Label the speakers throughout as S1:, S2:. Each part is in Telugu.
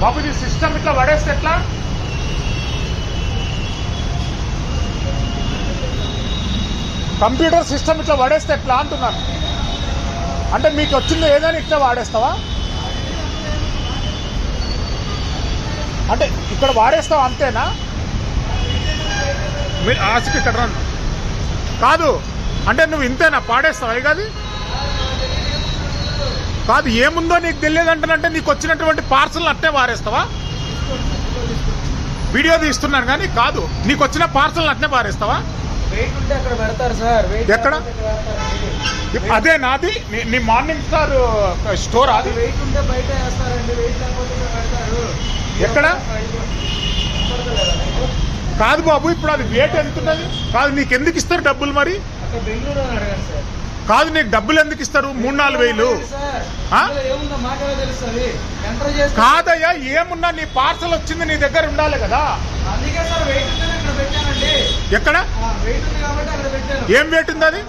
S1: బాబు ఇది సిస్టమ్ ఇట్లా పడేస్తే ఎట్లా? కంప్యూటర్ సిస్టమ్ ఇట్లా వాడేస్తే ఎట్లా అంటున్నాను. అంటే మీకు వచ్చింది ఏదైనా ఇట్లా వాడేస్తావా? అంటే ఇక్కడ వాడేస్తావా అంతేనా? మీరు ఆశకి ఇక్కడ రన్ కాదు అంటే నువ్వు ఇంతేనా పాడేస్తావా? కాదు కాదు ఏముందో నీకు తెలియదంటే నీకు వచ్చినటువంటి పార్సల్ అట్టే వారేస్తావా? వీడియో తీస్తున్నాను కానీ కాదు, నీకు వచ్చిన పార్సల్ అట్నే వారేస్తావా? ఎక్కడ? అదే నాది నీ మార్నింగ్ స్టార్ స్టోర్ అది. ఎక్కడ? కాదు బాబు, ఇప్పుడు అది వెయిట్ ఎంత ఉన్నది? కాదు నీకు ఎందుకు ఇస్తారు డబ్బులు మరి? కాదు నీకు డబ్బులు ఎందుకు ఇస్తారు? 3-4 వేలు కాదయ్యా, ఏమున్నా నీ పార్సల్ వచ్చింది నీ దగ్గర ఉండాలి కదా. ఎక్కడ? ఏం వెయిట్ ఉంది అది?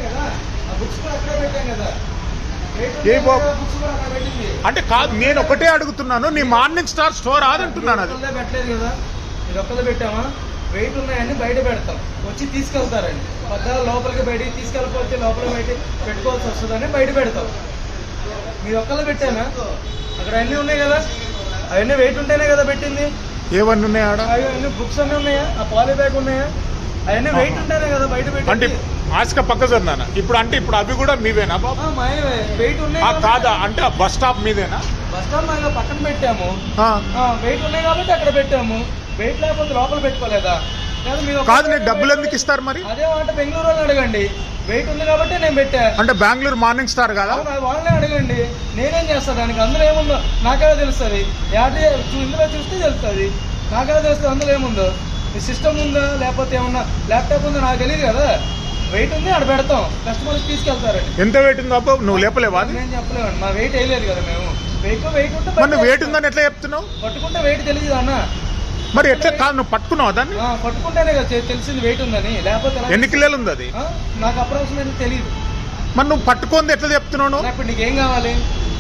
S1: ఏ బాబు అంటే కాదు, నేను ఒకటే అడుగుతున్నాను, నీ మార్నింగ్ స్టార్ స్టోర్ అదంటున్నాను. అది
S2: పెట్టామా? వెయిట్ ఉన్నాయని బయట పెడతాం, వచ్చి తీసుకెళ్తారండి. పద్దాల లోపలికి బయటికి తీసుకెళ్ళిపోతే లోపల బయట పెట్టుకోవాల్సి వస్తుందని బయట పెడతాం. మీరు ఒక్కళ్ళు పెట్టానా? అక్కడ అన్నీ ఉన్నాయి కదా, అవన్నీ వెయిట్ ఉంటేనే కదా పెట్టింది.
S1: ఏవన్నీ ఉన్నాయి?
S2: అవన్నీ బుక్స్ అన్నీ ఉన్నాయా? ఆ పాలీ బ్యాగ్ ఉన్నాయా? అవన్నీ వెయిట్ ఉంటేనే కదా బయట
S1: అంటే ఆశక పక్క జరున్నానా ఇప్పుడు? అంటే ఇప్పుడు అవి కూడా మీవేనా బాబు?
S2: వెయిట్ ఉన్నాయి
S1: కాదా? అంటే ఆ బస్ స్టాప్ మీదేనా?
S2: బస్ స్టాప్ మా పక్కన పెట్టాము, వెయిట్ ఉన్నాయి కాబట్టి అక్కడ పెట్టాము. వెయిట్ లేకపోతే లోపల పెట్టుకోలేదా?
S1: కాదు నీకు డబ్బులు ఎందుకు ఇస్తారు మరి?
S2: అదే అంటే బెంగళూరు వాళ్ళని అడగండి, వెయిట్ ఉంది కాబట్టి నేను పెట్టా.
S1: అంటే బెంగళూరు మార్నింగ్ స్టార్ కదా,
S2: వాళ్ళనే అడగండి. నేనేం చేస్తా దానికి? అందులో ఏముందో నాకేలా తెలుస్తుంది? ఇందులో చూస్తే తెలుస్తుంది, నాకేలా తెలుస్తుంది అందులో ఏముందో. సిస్టమ్ ఉందా లేకపోతే ఏమన్నా ల్యాప్టాప్ ఉందో నాకు తెలియదు కదా. వెయిట్ ఉంది అక్కడ పెడతాం, కస్టమర్స్ తీసుకెళ్తారండి.
S1: ఎంత వెయిట్ ఉందో అబ్బా? నువ్వు లేపలేవా?
S2: నేను చెప్పలేమండి, మా వెయిట్ వేయలేదు కదా మేము. వెయిట్ ఉంటే
S1: వెయిట్ ఉందని ఎట్లా చెప్తున్నావు?
S2: పట్టుకుంటే వెయిట్ తెలియదు అన్న.
S1: మరి ఎట్లా? కాదు నువ్వు పట్టుకున్నావు దాన్ని?
S2: పట్టుకుంటేనే కదా తెలిసింది వెయిట్ ఉందని, లేకపోతే
S1: ఎన్ని కిలోలు ఉంది అది?
S2: నాకు అప్రాక్సిమేట్ తెలియదు.
S1: మరి నువ్వు పట్టుకుంది ఎట్లా చెప్తున్నావు?
S2: ఇప్పుడు నీకేం కావాలి?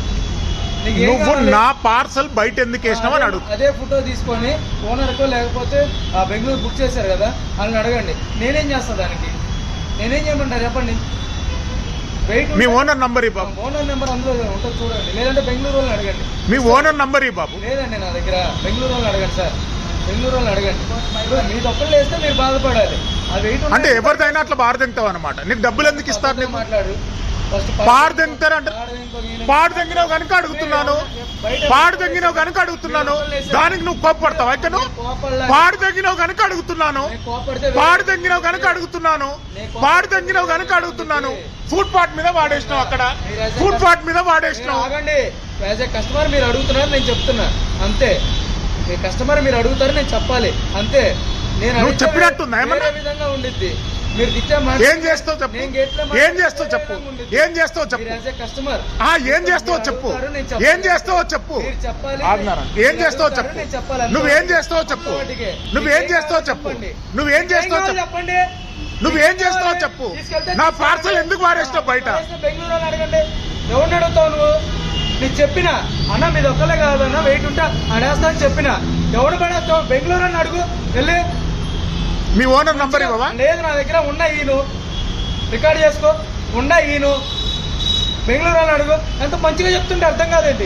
S1: నువ్వు నా పార్సల్ బయట ఎందుకు వేసినావు అని అడుగు.
S2: అదే ఫోటో తీసుకొని ఓనర్కో లేకపోతే ఆ బెంగళూరు బుక్ చేశారు కదా వాళ్ళని అడగండి. నేనేం చేస్తా దానికి? నేనేం చేయమంటారు చెప్పండి? వెయిట్
S1: మీ ఓనర్ నంబర్ ఈ బాబు.
S2: ఓనర్ నెంబర్ అందులో ఉంటుంది చూడండి, లేదంటే బెంగళూరు వాళ్ళని అడగండి.
S1: మీ ఓనర్ నంబర్ ఈ బాబు.
S2: లేదండి నా దగ్గర, బెంగళూరు వాళ్ళని అడగండి సార్, బెంగళూరు వాళ్ళని అడగండి. మీరు ఒక్కళ్ళు వేస్తే మీరు బాధపడాలి. ఆ వెయిట్
S1: అంటే ఎవరిదైనా అట్లా బారదెంగుతావు అనమాట. నీకు డబ్బులు ఎందుకు ఇస్తారు?
S2: మాట్లాడు.
S1: పాడు తెంగుతారంటే పాడు తెంగినావు కనుక అడుగుతున్నాను, పాడు తెంగినావు కనుక అడుగుతున్నాను. దానికి నువ్వు కోప్పడతావు అయితే? నువ్వు పాడు తెంగినావు కనుక అడుగుతున్నాను, పాడు తెంగినావు కనుక అడుగుతున్నాను, పాడు తెంగినావు కనుక అడుగుతున్నాను. ఫుడ్ పార్ట్ మీద వాడేసినావు, అక్కడ ఫుడ్ పార్ట్ మీద వాడేసినావు.
S2: యాజ్ ఏ కస్టమర్ మీరు అడుగుతున్నారు, నేను చెప్తున్నా అంతే. మీ కస్టమర్ మీరు అడుగుతారు, నేను చెప్పాలి అంతే.
S1: నేను చెప్పినట్టుందా ఏమన్నా?
S2: విధంగా ఉండిద్ది. మీరు
S1: ఏం చేస్తావు చెప్పు? ఏం చేస్తావు చెప్పు? ఏం చేస్తావు చెప్పు?
S2: కస్టమర్
S1: ఏం చేస్తావో చెప్పు? ఏం చేస్తావో చెప్పు? ఏం చేస్తావో చెప్పు? నువ్వేం చేస్తావో చెప్పు? నువ్వేం చేస్తావో చెప్పు? నువ్వేం చేస్తావో చెప్పండి? నువ్వేం చేస్తావో చెప్పు? నా పార్సల్ ఎందుకు వారేస్తావు బయట?
S2: బెంగళూరు అడగండి, ఎవరిని అడుగుతావు నువ్వు? నీకు చెప్పిన అన్న మీది ఒక్కలే కాదన్న, వెయిట్ ఉంటా అడేస్తా అని చెప్పిన. ఎవడు పడేస్తావు? బెంగళూరు అని అడుగు వెళ్ళి.
S1: మీ ఓనర్ నంబర్ ఇవ్వవా?
S2: లేదు నా దగ్గర ఉన్న ఈను, రికార్డ్ చేసుకో, ఉన్న ఈను. బెంగళూరు అని అడుగు. ఎంత మంచిగా చెప్తుంటే అర్థం కాదేంటి?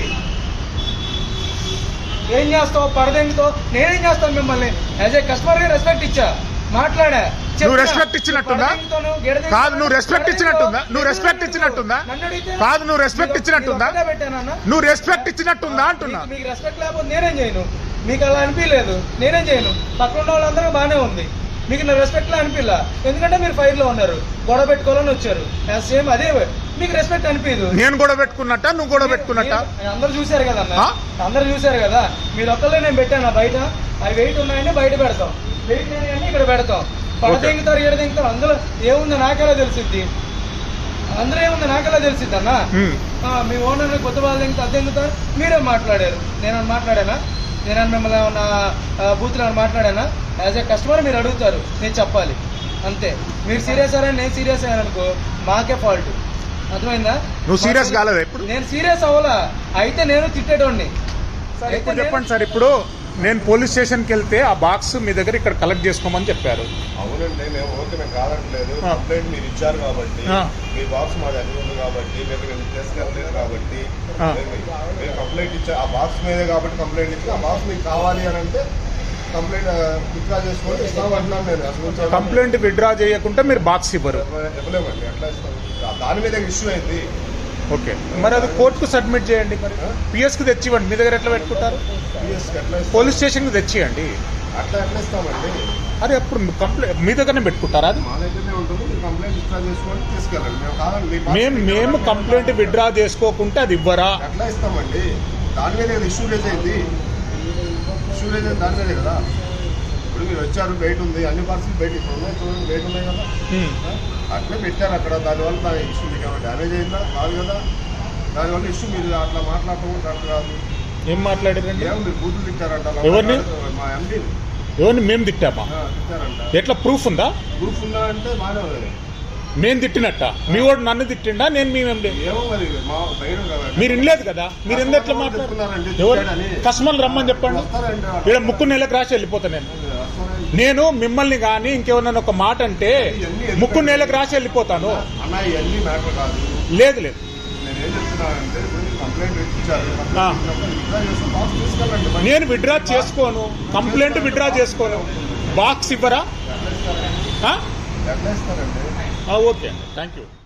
S2: ఏం చేస్తావు? పడదెంగుతావు? నేనేం చేస్తాను? మిమ్మల్ని యాజ్ ఏ కస్టమర్గా రెస్పెక్ట్ ఇచ్చా, మాట్లాడా.
S1: నువ్వు రెస్పెక్ట్ ఇచ్చినట్టుందా? కాదు నువ్వు రెస్పెక్ట్ ఇచ్చినట్టుందా? నువ్వు రెస్పెక్ట్ ఇచ్చినట్టుందా? కాదు నువ్వు రెస్పెక్ట్ ఇచ్చినట్టుందా? నువ్వు రెస్పెక్ట్ ఇచ్చినట్టుందా అంటున్నా.
S2: మీకు రెస్పెక్ట్ లేకపోతే నేనేం చేయను. మీకు అలా అనిపించలేదు, నేనేం చేయను. పక్కన ఉన్న వాళ్ళందరూ బాగానే ఉంది, మీకు నా రెస్పెక్ట్ లా అనిపించలా. ఎందుకంటే మీరు ఫైర్ లో ఉన్నారు, గొడవ పెట్టుకోవాలని వచ్చారు. సేమ్ అదే మీకు రెస్పెక్ట్ అనిపించదు.
S1: నేను గొడవ పెట్టుకున్నట్ట, నువ్వు గొడవ పెట్టుకున్నట్ట?
S2: అందరూ చూశారు కదా అన్న, అందరూ చూశారు కదా. మీరు ఒక్కళ్ళే నేను పెట్టాను బయట. అవి వెయిట్ ఉన్నాయని బయట పెడతాం, వెయిట్ లేని ఇక్కడ పెడతాం. పడదెంగుతారు, ఎడదెంగుతారు. అందులో ఏముందో నాకెలా తెలిసిద్ది? అందులో ఏముందో నాకెలా తెలిసిద్ది అన్న? మీ ఓనర్ కొత్త వాళ్ళు దెంగుతా అద్దెంగుతారు. మీరే మాట్లాడారు, నేను మాట్లాడానా? నేను మిమ్మల్ని ఏమన్నా బూత్లో మాట్లాడానా? యాజ్ ఏ కస్టమర్ మీరు అడుగుతారు, నేను చెప్పాలి అంతే. మీరు సీరియస్ అయ్యారని నేను సీరియస్ అయ్యాననుకో మాకే ఫాల్ట్. అర్థమైందా?
S1: నువ్వు సీరియస్ కాలేదా ఇప్పుడు?
S2: నేను సీరియస్ అవ్వలా, అయితే నేను తిట్టేటోడిని. సార్
S1: ఇప్పుడు
S2: అయితే
S1: చెప్పండి సార్, ఇప్పుడు నేను పోలీస్ స్టేషన్కి వెళ్తే ఆ బాక్స్ మీ దగ్గర ఇక్కడ కలెక్ట్ చేసుకోమని చెప్పారు.
S3: అవునండి, మేము ఓకే, మేము కాదట్లేదు.
S1: ఆ.
S3: కంప్లైంట్ మీరు ఇచ్చారు కాబట్టి,
S1: ఆ.
S3: మీ బాక్స్ మా దగ్గర ఉంది కాబట్టి, మేము తీసుకెళ్ళలేదు కాబట్టి,
S1: ఆ.
S3: మీరు కంప్లైంట్ ఇచ్చా ఆ బాక్స్ మీదే కాబట్టి కంప్లైంట్ ఇచ్చి, ఆ బాక్స్ మీకు కావాలి అని అంటే కంప్లైంట్ విత్డ్రా చేసుకొని ఇస్తామంటున్నాను నేను. అసలు
S1: కంప్లైంట్ విత్డ్రా చేయకుంటే మీరు బాక్స్ ఇవ్వరు.
S3: ఇవ్వలేమండి, ఎట్లా ఇస్తాం? దాని మీద ఇష్యూ అయింది.
S1: ఓకే, మరి అది కోర్టుకు సబ్మిట్ చేయండి. మరి పిఎస్కి తెచ్చివ్వండి. మీ దగ్గర ఎట్లా పెట్టుకుంటారు?
S3: పిఎస్కి ఎట్లా ఇస్తాం?
S1: పోలీస్ స్టేషన్కి తెచ్చియండి.
S3: అట్లా ఎట్లా ఇస్తామండి?
S1: అరే అప్పుడు కంప్లైంట్ మీ దగ్గరనే పెట్టుకుంటారా? అది
S3: మా దగ్గరనే ఉంటుంది. మీరు కంప్లైంట్ విత్డ్రా చేసుకొని తీసుకెళ్ళండి. మేము కాదండి, మీ box
S1: మేము
S3: మీకు
S1: కంప్లైంట్ విత్డ్రా చేసుకోకుంటే అది ఇవ్వరా?
S3: ఎట్లా ఇస్తామండి? దాని మీద ఇష్యూ రేజ్ అయింది. ఇష్యూ రేజ్ అయింది దాని మీదే కదా. ఇప్పుడు మీరు వచ్చారు, వెయిట్ ఉంది, అన్ని పార్సల్ వెయిట్ ఇప్పుడు ఉన్నాయి, చూడండి వెయిట్ ఉన్నాయి కదా. అట్లే పెట్టారు అక్కడ. దానివల్ల దాని ఇష్యూ మీకు ఏమైనా డ్యామేజ్ అయిందా? కాదు కదా. దానివల్ల ఇష్యూ మీరు అట్లా మాట్లాడటం కరెక్ట్ కాదు.
S1: ఏం మాట్లాడారండి?
S3: ఏమో మీరు బూతులు తిట్టారంట.
S1: ఎవరిని?
S3: మా ఎండీని
S1: ఎవరిని మేము తిట్టామా?
S3: తిట్టారంట.
S1: ఎట్లా ప్రూఫ్ ఉందా?
S3: ప్రూఫ్ ఉందా అంటే బాగానే ఉంది.
S1: నేను తిట్టినట్ట? మీ వాడు నన్ను తిట్టిండా? నేను మీ
S3: ఏమో మరి మా బయట కదా.
S1: మీరు వినలేదు కదా. మీరు ఎందుకు ఎట్లా మాట్లాడుతున్నారండి? ఎవరు కస్టమర్లు రమ్మని చెప్పండి.
S3: వస్తారండి.
S1: ఇక్కడ ముక్కు నెలకు రాసి వెళ్ళిపోతా నేను. నేను మిమ్మల్ని కానీ ఇంకెవరన్నా ఒక మాట అంటే ముక్కు నెలకు రాసి వెళ్ళిపోతాను.
S3: అన్న ఇవన్నీ మ్యాటర్ కాదు.
S1: లేదు లేదు,
S3: నేనేం చెప్తున్నానంటే కంప్లైంట్ ఇచ్చారు.
S1: ఆ.
S3: విత్డ్రా చేసి బాక్స్ తీసుకెళ్ళండి.
S1: నేను విత్డ్రా చేసుకోను. కంప్లైంట్ విత్డ్రా చేసుకోను. బాక్స్ ఇవ్వరా?
S3: ఎట్లా ఇస్తారండి?
S1: ఓకే అండి, థ్యాంక్ యూ.